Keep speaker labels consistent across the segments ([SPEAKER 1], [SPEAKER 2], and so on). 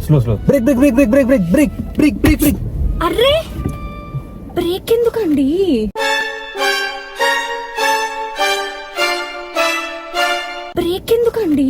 [SPEAKER 1] Slow brake brake brake brake brake brake brake brake brake.
[SPEAKER 2] అర్రే brake ఎందుకండి? Brake ఎందుకండి?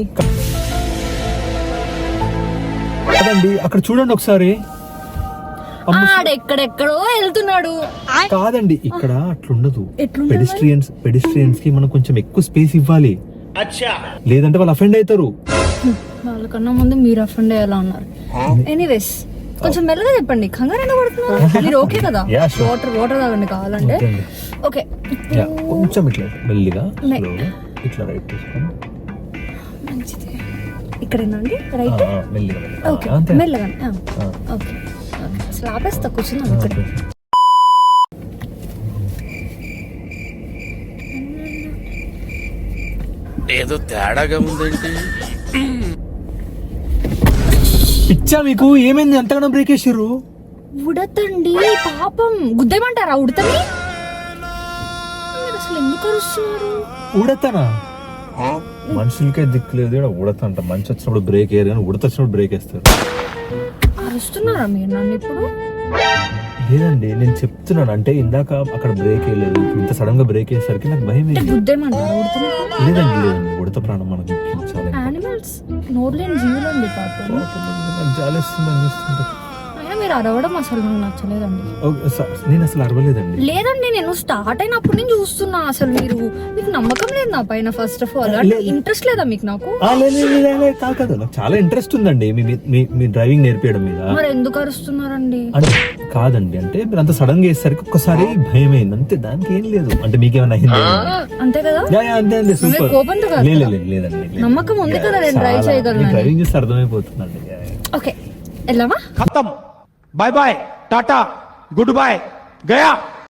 [SPEAKER 1] కాదండి, అక్కడ చూడండి ఒకసారి.
[SPEAKER 2] ఎక్కడెక్కడో వెళ్తున్నాడు.
[SPEAKER 1] కాదండి, ఇక్కడ అట్లుండదు.
[SPEAKER 2] ఎట్లుంటది?
[SPEAKER 1] పెడిస్ట్రియన్స్ కి మనం కొంచెం ఎక్కువ స్పేస్ ఇవ్వాలి, లేదంటే వాళ్ళు అఫెండ్ అవుతారు.
[SPEAKER 2] వాళ్ళకన్నా ముందు మీరు అఫెండ్ అయ్యేలా ఉన్నారు. ఎనీవేస్ కొంచెం మెల్లగా చెప్పండి, కంగారు ఎందుకు పడుతున్నారు? మీరు ఓకే కదా?
[SPEAKER 1] Yeah, sure.
[SPEAKER 2] వాటర్ తాగండి కావాలంటే.
[SPEAKER 1] Okay అండి.
[SPEAKER 2] ఓకే
[SPEAKER 1] Yeah, కొంచెం ఇట్లా మెల్లిగా slowగా ఇట్లా రైట్ తీసుకొని
[SPEAKER 2] మంచిది. ఇక్కడేనా అండి రైట్?
[SPEAKER 1] మెల్లిగా
[SPEAKER 2] ఓకే
[SPEAKER 1] అంతే.
[SPEAKER 2] మెల్లగా. ఓకే అసలు ఆపేస్తా, కూర్చున్నాం ఇక్కడ.
[SPEAKER 3] ఏదో తేడాగా ఉందేంటి?
[SPEAKER 1] పిచ్చా మీకు? ఏమైంది అంతగానో బ్రేక్ వేసారు?
[SPEAKER 2] ఉడతండి పాపం, గుద్దేమంటారా ఉడతని? మీరు అసలు ఎందుకు అరుస్తున్నారు?
[SPEAKER 1] ఉడతనా? మనుషులకే దిక్కు లేదు, ఉడత అంట. మంచి వచ్చినప్పుడు బ్రేక్ వేయరు కానీ ఉడత వచ్చినప్పుడు బ్రేక్ వేస్తారు.
[SPEAKER 2] అరుస్తున్నారా మీరు నన్ను ఇప్పుడు?
[SPEAKER 1] లేదండి, నేను చెప్తున్నాను. అంటే ఇందాక అక్కడ బ్రేక్ వేయలేదు, ఇంత సడన్ గా బ్రేక్ వేసేసరికి నాకు భయం వేసింది.
[SPEAKER 2] గుద్దేమంటారా ఉడతని?
[SPEAKER 1] లేదండి, ఉడత ప్రాణం మనకు ముఖ్యం. చాలా
[SPEAKER 2] యానిమల్స్ నోర్లేని జీవులు అండి పాపం.
[SPEAKER 1] నాకు జాలేస్తుందని చూస్తుంటే.
[SPEAKER 2] అయినా మీరు అరవడం అసలు నాకు నచ్చలేదండి.
[SPEAKER 1] నేను అసలు అరవలేదండి.
[SPEAKER 2] లేదండి, నేను స్టార్ట్ అయినప్పుడు నేను చూస్తున్నా. అసలు మీకు నమ్మకం లేదు నా పైన. ఫస్ట్ ఆఫ్ ఆల్ ఇంట్రెస్ట్ లేదా మీకు నాకు?
[SPEAKER 1] కాదు, నాకు చాలా ఇంట్రెస్ట్ ఉందండి మీ డ్రైవింగ్ నేర్పించడం మీద.
[SPEAKER 2] మరి ఎందుకు అరుస్తున్నారండి?
[SPEAKER 1] అంటే కాదండి, అంటే మీరు అంత సడన్ గా వేసేసరికి ఒక్కసారి భయం అయింది అంతే, దానికి ఏం లేదు. అంటే మీకేమైనా అయింది?
[SPEAKER 2] అంతే కదా?
[SPEAKER 1] అంతే అండి. సూపర్.
[SPEAKER 2] కోపంతో కాదు,
[SPEAKER 1] లేదండి,
[SPEAKER 2] నమ్మకం ఉంది కదా, నేను డ్రైవ్ చేయగలను.
[SPEAKER 1] డ్రైవింగ్ చేస్తే అర్థమైపోతుందండి.
[SPEAKER 2] ఓకే వెళ్దామా?
[SPEAKER 4] खत्म, bye bye, tata, goodbye, गया.